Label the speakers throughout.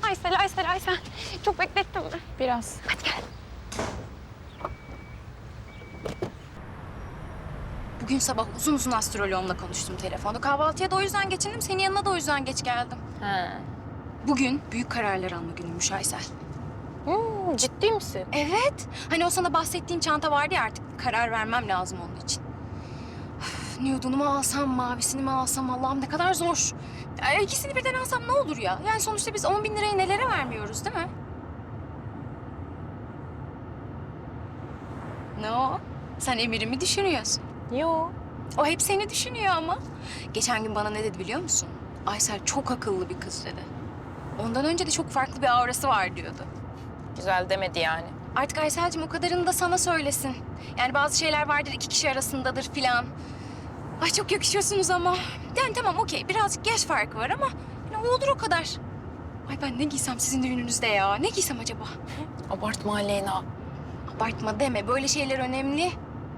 Speaker 1: Aysel. Çok beklettin mi?
Speaker 2: Biraz.
Speaker 1: Hadi gel. Bugün sabah uzun uzun astroloğumla konuştum telefonda. Kahvaltıya da o yüzden geçindim. Senin yanına da o yüzden geç geldim.
Speaker 2: Ha.
Speaker 1: Bugün büyük kararlar alma günüymüş Aysel.
Speaker 2: Ciddi misin?
Speaker 1: Evet. Hani o sana bahsettiğin çanta vardı ya, artık karar vermem lazım onun için. Üf, nude'unu mu alsam, mavisini mi alsam, Allah'ım ne kadar zor. İkisini birden alsam ne olur ya? Yani sonuçta biz 10 bin lirayı nelere vermiyoruz değil mi? Ne o? Sen Emir'i mi düşünüyorsun?
Speaker 2: Yo.
Speaker 1: O hep seni düşünüyor ama. Geçen gün bana ne dedi biliyor musun? Aysel çok akıllı bir kız dedi. Ondan önce de çok farklı bir aurası var diyordu.
Speaker 2: Güzel demedi yani.
Speaker 1: Artık Aysel'cim o kadarını da sana söylesin. Yani bazı şeyler vardır, iki kişi arasındadır filan. Ay çok yakışıyorsunuz ama. Yani tamam okey, birazcık yaş farkı var ama yani o olur o kadar. Ay ben ne giysem sizin düğününüzde ya? Ne giysem acaba?
Speaker 2: Abartma Aleyna.
Speaker 1: Abartma deme, böyle şeyler önemli.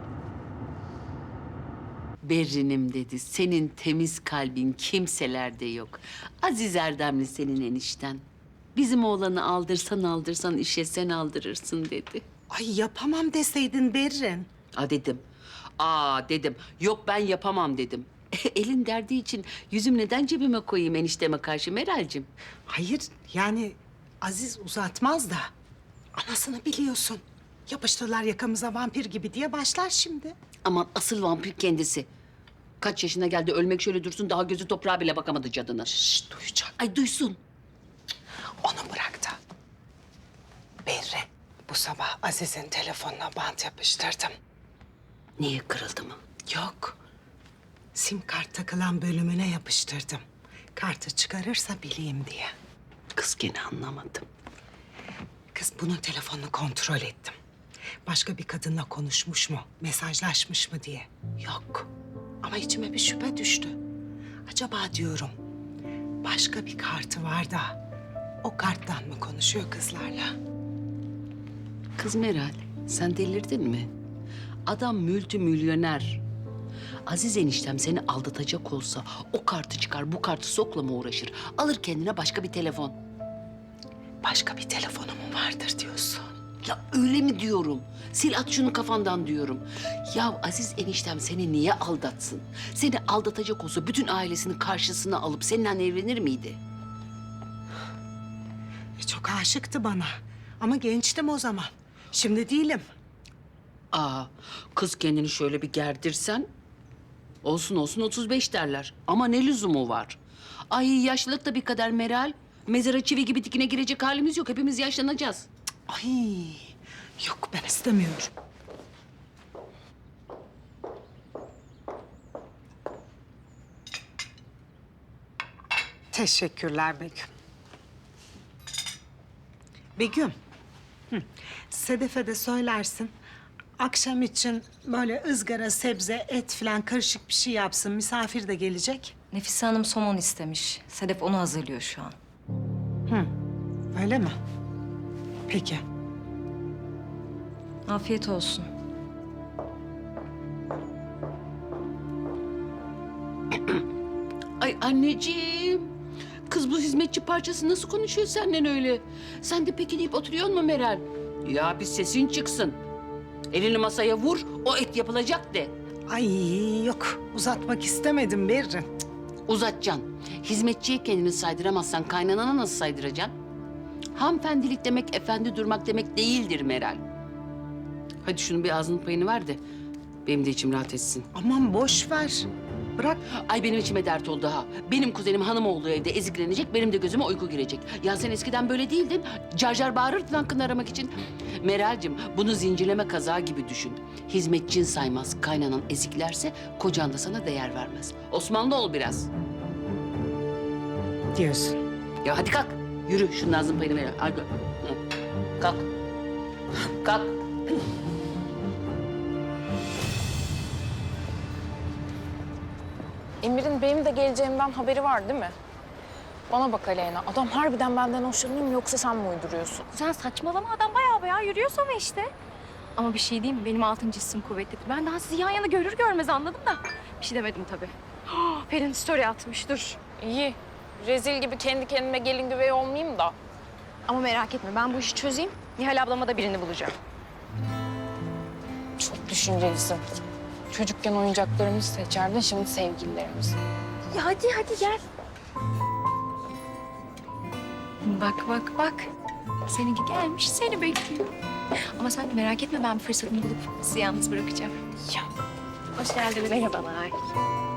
Speaker 3: Berrinim dedi. Senin temiz kalbin kimselerde yok. Aziz Erdemli senin enişten. Bizim oğlanı aldırsan işe sen aldırırsın dedi.
Speaker 4: Ay yapamam deseydin Berrin.
Speaker 3: Dedim. Dedim. Yok ben yapamam dedim. Elin derdi için yüzüm neden cebime koyayım enişteme karşı Meral'cim?
Speaker 4: Hayır yani Aziz uzatmaz da. Anasını biliyorsun. Yapıştırlar yakamıza vampir gibi diye başlar şimdi.
Speaker 3: Aman asıl vampir kendisi. Kaç yaşına geldi ölmek şöyle dursun daha gözü toprağa bile bakamadı cadına.
Speaker 4: Şşş duyacak.
Speaker 3: Ay duysun.
Speaker 4: Onu bırak da. Berrin bu sabah Aziz'in telefonuna bant yapıştırdım.
Speaker 3: Niye kırıldı mı?
Speaker 4: Yok. Sim kart takılan bölümüne yapıştırdım. Kartı çıkarırsa bileyim diye.
Speaker 3: Kız gene anlamadım.
Speaker 4: Kız bunun telefonunu kontrol ettim. Başka bir kadınla konuşmuş mu, mesajlaşmış mı diye. Yok. Ama içime bir şüphe düştü. Acaba diyorum, başka bir kartı var da o karttan mı konuşuyor kızlarla?
Speaker 3: Kız Meral, sen delirdin mi? Adam multimilyoner. Aziz eniştem seni aldatacak olsa o kartı çıkar, bu kartı sokla mı uğraşır? Alır kendine başka bir telefon.
Speaker 4: Başka bir telefonu mu vardır diyorsun?
Speaker 3: Ya öyle mi diyorum? Sil at şunu kafandan diyorum. Ya Aziz eniştem seni niye aldatsın? Seni aldatacak olsa bütün ailesini karşısına alıp seninle evlenir miydi?
Speaker 4: Çok aşıktı bana. Ama gençtim o zaman. Şimdi değilim.
Speaker 3: Kız kendini şöyle bir gerdirsen... Olsun 35 derler. Ama ne lüzumu var? Ay yaşlılık da bir kader Meral. Mezara çivi gibi dikine girecek halimiz yok. Hepimiz yaşlanacağız.
Speaker 4: Ay, yok ben istemiyorum. Teşekkürler Begüm. Begüm, Sedef'e de söylersin. Akşam için böyle ızgara, sebze, et falan karışık bir şey yapsın. Misafir de gelecek.
Speaker 5: Nefise Hanım somon istemiş. Sedef onu hazırlıyor şu an.
Speaker 4: Öyle mi? Peki.
Speaker 5: Afiyet olsun.
Speaker 3: Ay anneciğim. Kız bu hizmetçi parçası nasıl konuşuyor senden öyle? Sen de peki deyip oturuyor mu Meral? Ya bir sesin çıksın. Elini masaya vur, o et yapılacak de.
Speaker 4: Ay yok, uzatmak istemedim Berrin.
Speaker 3: Uzatacaksın. Hizmetçiye kendini saydıramazsan kaynanana nasıl saydıracaksın? Hanımefendilik demek efendi durmak demek değildir Meral. Hadi şunun bir ağzının payını ver de benim de içim rahat etsin.
Speaker 4: Aman boş ver. Bırak.
Speaker 3: Ay benim içime dert oldu ha. Benim kuzenim hanım olduğu evde eziklenecek, benim de gözüme uyku girecek. Ya sen eskiden böyle değildin. Car car bağırırdın hakkını aramak için. Meral'cim bunu zincirleme kazağı gibi düşün. Hizmetçin saymaz, kaynanan eziklerse kocan da sana değer vermez. Osmanlı ol biraz.
Speaker 4: Diyorsun.
Speaker 3: Ya hadi kalk. Yürü şunun ağzının payını ver. Hadi. Hı. Kalk. Kalk.
Speaker 2: Emir'in benim de geleceğimden haberi var değil mi? Bana bak Aleyna, adam harbiden benden hoşlanıyor mu yoksa sen mi uyduruyorsun?
Speaker 1: Sen saçmalama, adam bayağı yürüyor sana işte. Ama bir şey diyeyim mi? Benim altıncı hissim kuvvetlidir. Ben daha sizi yan yana görür görmez anladım da. Bir şey demedim tabii. Pelin story atmış, dur.
Speaker 2: İyi, rezil gibi kendi kendime gelin güvey olmayayım da.
Speaker 1: Ama merak etme ben bu işi çözeyim. Nihal ablama da birini bulacağım.
Speaker 2: Çok düşüncelisin. Çocukken oyuncaklarımızı seçerdin, şimdi sevgililerimizi.
Speaker 1: Ya hadi gel. Bak bak. Seninki gelmiş seni bekliyor. Ama sen de merak etme ben bir fırsatını bulup sizi yalnız bırakacağım.
Speaker 2: Ya.
Speaker 1: Hoş geldin. Merhabalar.